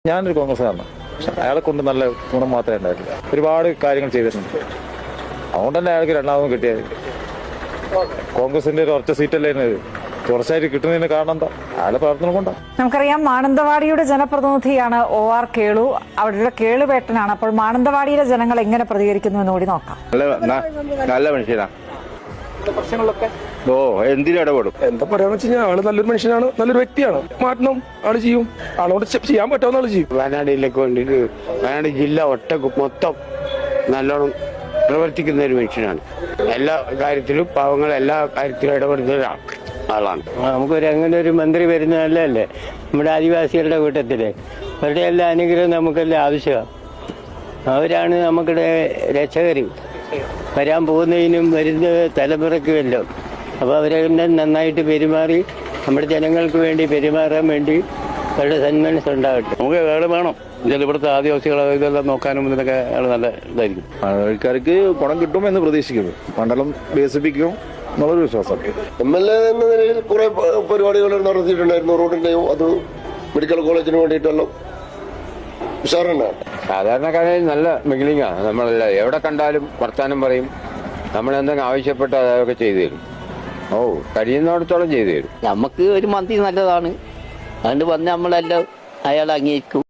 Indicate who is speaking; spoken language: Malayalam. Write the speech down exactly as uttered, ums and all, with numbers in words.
Speaker 1: ഞാനൊരു കോൺഗ്രസ്സുകാരനാണ്. പക്ഷെ അയാളെ കൊണ്ട് നല്ല ഗുണം മാത്രമേ ഉണ്ടായിട്ടില്ല. ഒരുപാട് കാര്യങ്ങൾ ചെയ്തിട്ടുണ്ട്. അതുകൊണ്ട് തന്നെ അയാൾക്ക് രണ്ടാമതും കിട്ടിയത്. കോൺഗ്രസിന്റെ ഒരു ഒറ്റ സീറ്റല്ലേ തുടർച്ചയായിട്ട് കിട്ടുന്നതിന് കാരണം എന്താ? അയാളുടെ പ്രവർത്തനം കൊണ്ടാണ്.
Speaker 2: നമുക്കറിയാം മാനന്തവാടിയുടെ ജനപ്രതിനിധിയാണ് ഒ ആർ കേളു. അവിടെ കേളുവേട്ടനാണ്. അപ്പോൾ മാനന്തവാടിയിലെ ജനങ്ങൾ എങ്ങനെ പ്രതികരിക്കുന്നു എന്ന് കൂടി നോക്കാം.
Speaker 3: നല്ല മനുഷ്യനാ. പ്രശ്നങ്ങളൊക്കെ ഓ എന്തിനും ഇടപെടും.
Speaker 4: എന്താ പറയാന്ന് വെച്ച് കഴിഞ്ഞാൽ ആള് നല്ലൊരു മനുഷ്യനാണ്, നല്ലൊരു വ്യക്തിയാണ്. മാറ്റണം ആള് ചെയ്യും. ആളോട് ചെയ്യാൻ പറ്റാവുന്ന ആള് ചെയ്യും.
Speaker 5: വയനാടിലേക്ക് വേണ്ടിയിട്ട് വയനാട് ജില്ല ഒറ്റ മൊത്തം നല്ലോണം പ്രവർത്തിക്കുന്ന ഒരു മനുഷ്യനാണ്. എല്ലാ കാര്യത്തിലും പാവങ്ങൾ എല്ലാ കാര്യത്തിലും ഇടപെടുന്ന ആളാണ്. നമുക്കൊരു അങ്ങനെ ഒരു മന്ത്രി വരുന്ന നല്ലതല്ലേ നമ്മുടെ ആദിവാസികളുടെ കൂട്ടത്തില്. അവരുടെ എല്ലാ അനുഗ്രഹവും നമുക്കെല്ലാം ആവശ്യമാണ്. അവരാണ് നമുക്കിടെ രക്ഷകർ. വരാൻ പോകുന്നതിനും വരുന്ന തലമുറയ്ക്കുമല്ലോ. അപ്പോൾ അവരെല്ലാം നന്നായിട്ട് പെരുമാറി നമ്മുടെ ജനങ്ങൾക്ക് വേണ്ടി പെരുമാറാൻ വേണ്ടി അവരുടെ സന്മനസ് ഉണ്ടാകട്ടെ.
Speaker 3: നമുക്ക് അയാൾ വേണം. ഇവിടുത്തെ ആദിവാസികളെ ഇതെല്ലാം നോക്കാനും ഇതിനൊക്കെ അയാൾ നല്ല ഇതായിരിക്കും.
Speaker 1: ആൾക്കാർക്ക് ഗുണം കിട്ടുമെന്ന് പ്രതീക്ഷിക്കുന്നു. മണ്ഡലം വികസിപ്പിക്കും എന്നുള്ളൊരു വിശ്വാസം.
Speaker 6: എം എൽ എ എന്ന നിലയിൽ കുറെ പരിപാടികൾ നടത്തിയിട്ടുണ്ടായിരുന്നു. റോഡിന്റെയും അത് മെഡിക്കൽ കോളേജിന് വേണ്ടിയിട്ടെല്ലാം ഉഷാറാണ്.
Speaker 7: സാധാരണക്കാരിൽ നല്ല മിഗിലിങ്ങാണ്. നമ്മളല്ല എവിടെ കണ്ടാലും വർത്താനം പറയും. നമ്മൾ എന്തെങ്കിലും ആവശ്യപ്പെട്ട് അതൊക്കെ ചെയ്തു തരും. ഓ കഴിയുന്നിടത്തോളം ചെയ്തു തരും.
Speaker 8: നമുക്ക് ഒരു മന്ത്രി നല്ലതാണ്. അതുകൊണ്ട് വന്ന് നമ്മളെല്ലാം അയാൾ അംഗീകരിക്കും.